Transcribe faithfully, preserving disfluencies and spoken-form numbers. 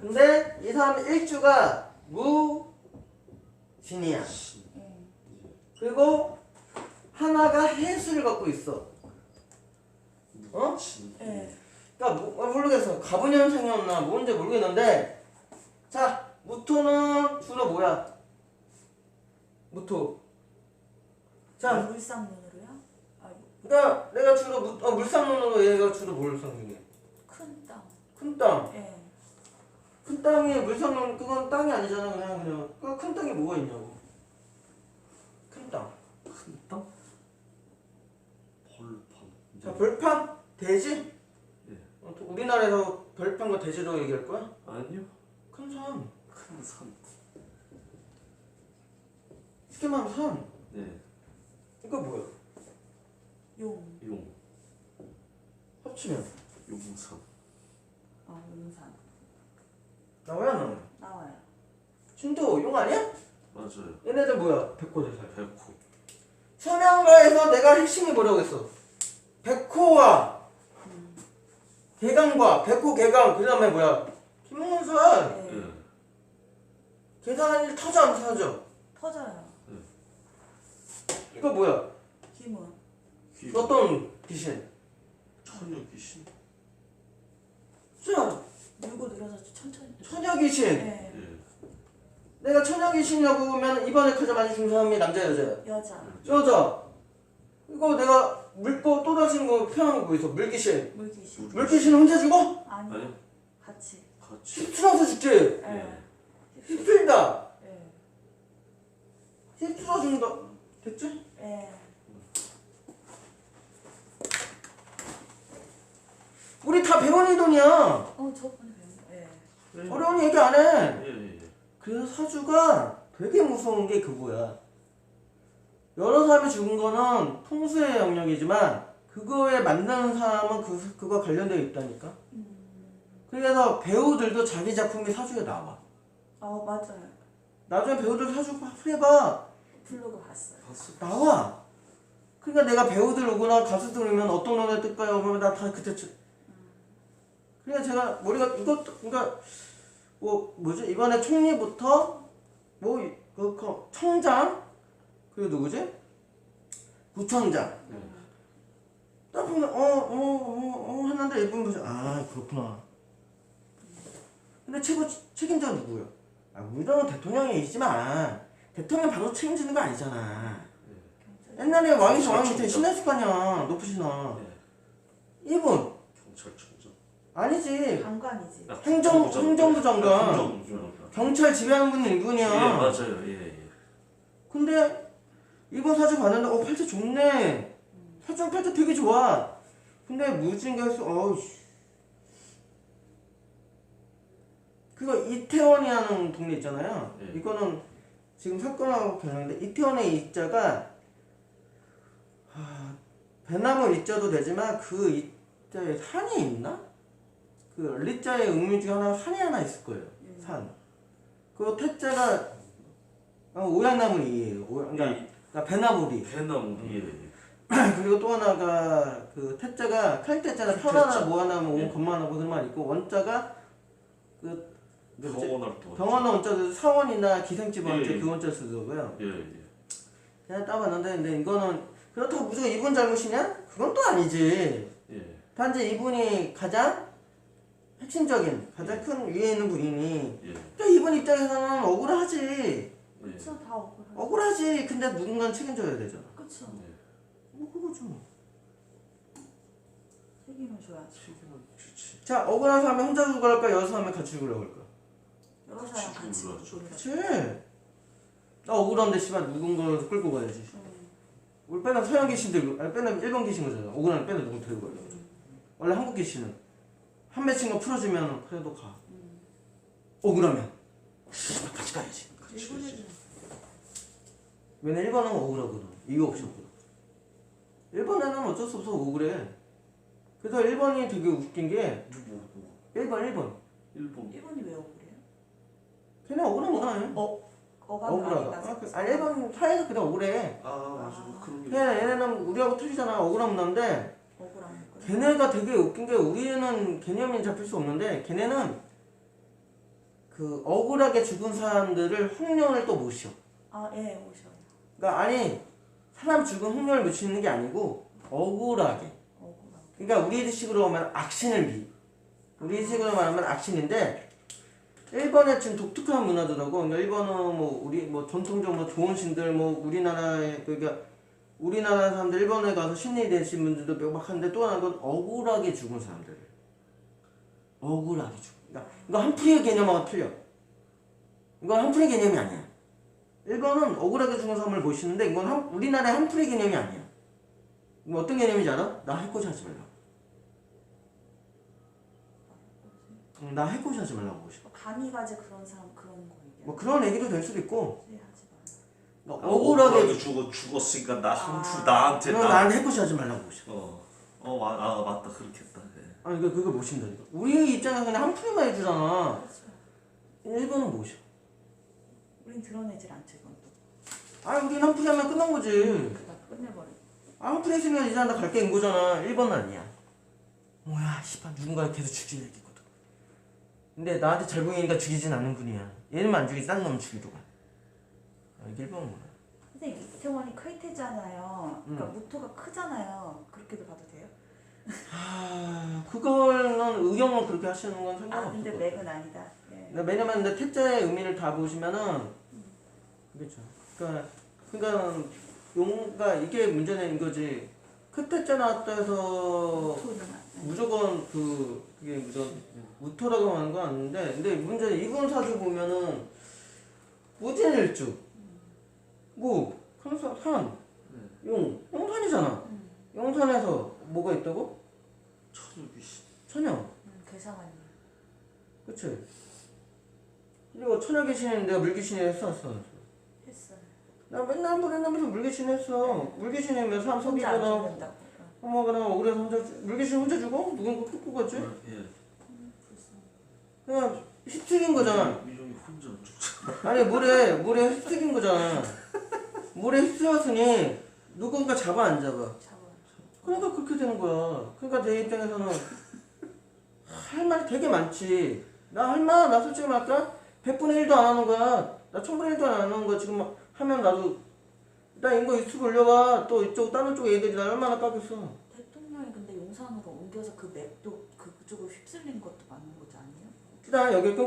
근데 이 사람 일주가 무진이야. 그리고 하나가 해수를 갖고 있어. 어? 네. 그러니까 뭐, 모르겠어. 가분 현상이었나 뭔지 모르겠는데, 자 무토는 주로 뭐야? 무토. 자, 물상문으로요? 아, 그러니까 내가 주로 무, 어, 물상론으로 얘가 주로 뭘 상징해? 큰 땅. 큰 땅. 예. 큰 땅이 물상론 그건 땅이 아니잖아. 그냥 그냥 그 큰 땅이 뭐가 있냐고. 큰 땅. 큰 땅? 벌판. 자, 벌판? 대지? 예. 어, 또 우리나라에서 벌판과 대지로 얘기할 거야? 아니요. 큰 산. 큰 산. 쉽게 말하면 산. 네. 이거 뭐야? 용. 용. 합치면 용산. 아, 용산. 나와야 안 나와요? 나와요. 진도 용 아니야? 맞아요. 얘네들 뭐야? 백호대사. 백호. 서명가에서 내가 핵심이 뭐라고 했어? 백호와 음. 개강과 백호 개강 그 다음에 뭐야? 김문선. 네. 예. 계산한 일 터져 안 터져? 터져요. 이거 뭐야? 기문. 귀. 어떤 귀신? 처녀 귀신. 자, 밀고 늘어서 천천히. 처녀 귀신. 네. 예. 내가 처녀 귀신이라고 보면 이번에 가장 많이 죽은 사람이 남자 여자야? 여자. 여자. 이거 내가 물고 또 다시는 거 표현한 거 보이소? 물귀신. 물귀신. 물귀신 혼자 죽어? 아니. 아니요. 같이. 같이. 휩쓸어서 죽지? 예. 휩쓸다. 예. 휩쓸어 죽는다. 됐지? 예. 우리 다 배원이 돈이야. 어, 저번에 배운 거. 예. 어려운 얘기 안 해. 예, 예, 예. 그래서 사주가 되게 무서운 게 그거야. 여러 사람이 죽은 거는 통수의 영역이지만 그거에 만나는 사람은 그, 그거 관련되어 있다니까. 음. 그래서 배우들도 자기 작품이 사주에 나와. 아, 맞아요. 나중에 배우들 사주 해봐. 블로그 봤어요. 봤어. 나와. 그러니까 내가 배우들 오거나 가수들 오면 어떤 노래 뜰까요? 그러면 나 다 그때 쳐. 그러니까 제가 머리가 이것도 그러니까 뭐 뭐지 이번에 총리부터 뭐그 청장 그리고 누구지 구청장 네. 딱 보면 어어어어 했는데 이분 보죠 아 그렇구나. 근데 최고 책임자가 누구예요? 아 우리는 대통령이지만 대통령 바로 책임지는 거 아니잖아. 옛날에 왕이 왕한테 신했을 거 아니야 높으시나. 네. 이분 경찰청장. 아니지. 장관이지. 아, 행정- 국정부 행정부 장관. 행정부 장관. 경찰 지배하는 분은 이분이야. 예, 맞아요. 예, 예. 근데 이번 사주 봤는데 어 팔자 좋네. 사주 팔자 되게 좋아. 근데 무진가에서 어우씨. 그거 이태원이라는 동네 있잖아요. 네. 이거는 지금 사건하고 관련인데 이태원의 이자가 하, 배나무 이자도 되지만 그 이자에 산이 있나? 그 리자의 음유 중에 하나 산이 하나 있을 거예요. 음. 산. 그 태자가 어, 오양나무 이에요. 오, 그러니까, 예. 그러니까 배나무리. 배나무. 예, 예. 그리고 또 하나가 그 태자가 칼태자가 편하나 뭐하나 뭐 예. 건마나 뭐 그런 말 있고 원자가 그 뭐지? 병원할 때. 병원 원자도 사원이나 기생집 원자 예, 예. 그 원자 쓰고요. 예, 예. 그냥 따봤는데 근데 이거는 그렇다고 무조건 이분 잘못이냐? 그건 또 아니지. 예. 단지 이분이 가장 핵심적인 가장 큰 위에 있는 분이니 예. 또 이분 입장에서는 억울하지. 예. 그쵸, 다 억울하죠. 억울하지. 근데 누군가는 책임져야 되잖아. 그쵸. 네. 뭐 그거죠. 책임을 줘야지. 책임은 주지. 자 억울한 사람이 혼자 죽으려 할까 여러 사람이 같이 죽으려고 할까? 여러 사람 그치, 같이 그거죠. 죽으려. 그치. 나 억울한데 씨발 누군가를 끌고 가야지. 음. 우리 빼는 서양 귀신 들고 아니 빼는 일본 귀신 거잖아. 억울한 빼는 누구 들고 가려고. 원래 한국 귀신은 한 맺힌 거 풀어주면 그래도 가. 음. 억울하면 씨발 같이 가야지. 일본에는 왜냐 일본은 억울하거든. 이유 없이 억울해. 일본에는 어쩔 수 없어 억울해. 그래서 일본이 되게 웃긴 게 누구? 누구? 일본 일본. 일본. 일본이 왜 억울해요? 걔네 억울한 거나 해. 어, 어감 억울하다. 아, 그, 아니 일본 사회에서 그냥 억울해. 아, 맞아. 뭐 그런 게. 걔네 얘네는 우리하고 틀리잖아. 억울한 문화인데 억울한 거. 걔네가 되게 웃긴 게 우리는 개념이 잡힐 수 없는데 걔네는 그 억울하게 죽은 사람들을 홍련을 또 모셔. 아, 예, 오셔요. 그러니까 아니 사람 죽은 홍련을 모시는 게 아니고 억울하게. 억울하고. 그러니까 우리식으로 하면 악신을 미. 우리식으로 말하면 악신인데 일본의 지금 독특한 문화더라고. 그러니까 일본은 뭐 우리 뭐 전통적 뭐 좋은 신들 뭐 우리나라에 그러니까 우리나라 사람들 일본에 가서 신이 되신 분들도 명확한데 또 하나는 억울하게 죽은 사람들. 억울하게 죽은. 그러니까 이거 한풀이의 개념하고 틀려. 이건 한풀이 개념이 아니야. 일본은 억울하게 죽은 사람을 모시는데 이건 한, 우리나라의 한풀이 개념이 아니야. 이거 어떤 개념인지 알아? 나 해코지 하지 말라고. 응, 나 해코지 하지 말라고 모셔. 감이 가지 그런 사람 그런 거 얘기야. 뭐 그런 얘기도 될 수도 있고 네, 하지 마. 그러니까 아, 억울하게 죽어 죽었으니까 나 한풀 아. 나한테 그럼 나. 난 해코지 하지 말라고 모셔. 어. 어, 마, 아 맞다 그렇겠다. 네. 아니 그 그거 모신다니까. 우리 입장에서 그냥 한풀이만 해주잖아. 그렇죠. 일본은 모셔. 우린 드러내질 않죠, 이건 또. 아 우리는 한풀이 하면 끝난 거지. 그다 끝내버려. 아 한풀이 했으면 이제 나 갈게 인 거잖아. 일본은 아니야. 뭐야 씨발 누군가 계속 죽일 얘기거든. 근데 나한테 잘 보이니까 죽이진 않는 분이야. 얘는만 안 죽이지 딴 놈은 죽이러 가. 아, 이게 일본은 뭐야. 선생님, 이태원이 크이테잖아요. 그러니까 음. 무토가 크잖아요. 그렇게도 봐도 돼요? 아 그거는 의경은 그렇게 하시는 건 아, 상관없어. 근데 맥은 아니다. 네. 왜냐면 근데 태자의 의미를 다 보시면은 그렇죠. 그러니까 그러니까 용가 이게 문제는 이거지. 크태자 나왔다 해서 무토는 안- 무조건 그 그게 무조건 무토라고 하는 건 아닌데 근데 문제는 이분 사주 보면은 무진일주 뭐 항상 산 용, 용산이잖아. 음, 용산에서 뭐가 있다고? 천유귀신. 천여. 음, 괴상하네. 그치? 그리고 천여 귀신은 내가 물귀신이 했어, 안 했어? 했어요. 나 맨날 한번 했나면서 물귀신 했어. 물귀신이면 사람 혼자 안 속이거나 죽는다고. 어. 뭐 그냥 억울해서 혼자 죽- 물귀신 혼자 죽어? 누군가 끌고 가지? 예. 음, 불쌍해. 그냥 휘특인 거잖아. 미종이 혼자 죽잖아. 아니 물에 물에 휘특인 거잖아. 물에 휘트였으니 누군가 잡아 안 잡아. 잡아. 그러니까 그렇게 되는 거야. 그러니까 내 입장에서는 할 말이 되게 많지. 나 할 말, 나 솔직히 말할까? 백분의 일도 안 하는 거야. 나 천분의 일도 안 하는 거야. 지금 막 하면 나도 나 이거 유튜브 올려봐. 또 이쪽 다른 쪽 애들이 나 얼마나 까겠어. 대통령이 근데 용산으로 옮겨서 그 맵도 그쪽으로 휩쓸린 것도 맞는 거지 아니에요? 일단 여기